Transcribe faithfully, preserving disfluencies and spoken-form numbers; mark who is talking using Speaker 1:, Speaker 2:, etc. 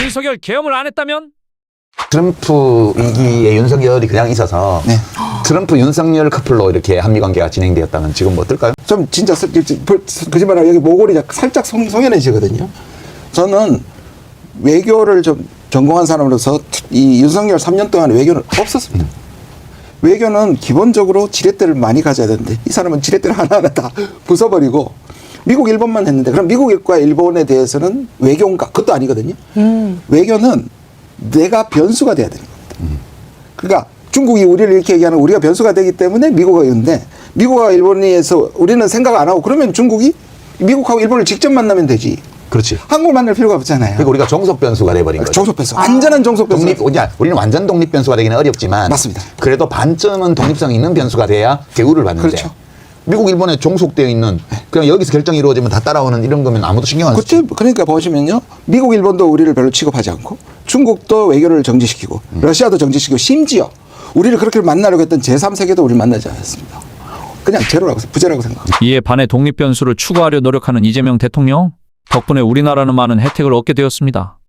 Speaker 1: 윤석열 계엄을 안 했다면?
Speaker 2: 트럼프 위기에 윤석열이 그냥 있어서
Speaker 3: 네.
Speaker 2: 트럼프 윤석열 커플로 이렇게 한미 관계가 진행되었다면 지금 뭐 어떨까요?
Speaker 3: 좀 진짜 스- 그- 거짓말하고 여기 모골이 살짝 송, 송연해지거든요. 저는 외교를 좀 전공한 사람으로서 이 윤석열 삼 년 동안 외교는 없었습니다. 외교는 기본적으로 지렛대를 많이 가져야 되는데 이 사람은 지렛대를 하나하나 다 부숴버리고 미국, 일본만 했는데 그럼 미국과 일본에 대해서는 외교인가? 그것도 아니거든요. 음. 외교는 내가 변수가 돼야 되는 겁니다. 음. 그러니까 중국이 우리를 이렇게 얘기하는 우리가 변수가 되기 때문에 미국과 있는데 미국과 일본에서 우리는 생각 안 하고 그러면 중국이 미국하고 일본을 직접 만나면 되지.
Speaker 2: 그렇지.
Speaker 3: 한국을 만날 필요가 없잖아요.
Speaker 2: 그러니까 우리가 종속 변수가 돼버린 거죠.
Speaker 3: 종속 변수. 완전한 종속 변수.
Speaker 2: 독립, 우리는 우리는 완전 독립 변수가 되기는 어렵지만
Speaker 3: 맞습니다.
Speaker 2: 그래도 반쯤은 독립성이 있는 변수가 돼야 대우를 받는데
Speaker 3: 그렇죠.
Speaker 2: 미국, 일본에 종속되어 있는 그냥 여기서 결정이 이루어지면 다 따라오는 이런 거면 아무도 신경 안 쓰죠.
Speaker 3: 그때 그러니까 보시면요. 미국, 일본도 우리를 별로 취급하지 않고 중국도 외교를 정지시키고
Speaker 2: 음.
Speaker 3: 러시아도 정지시키고 심지어 우리를 그렇게 만나려고 했던 제삼 세계도 우리를 만나지 않았습니다. 그냥 제로라고 부재라고 생각합니다.
Speaker 1: 이에 반해 독립 변수를 추구하려 노력하는 이재명 대통령 덕분에 우리나라는 많은 혜택을 얻게 되었습니다.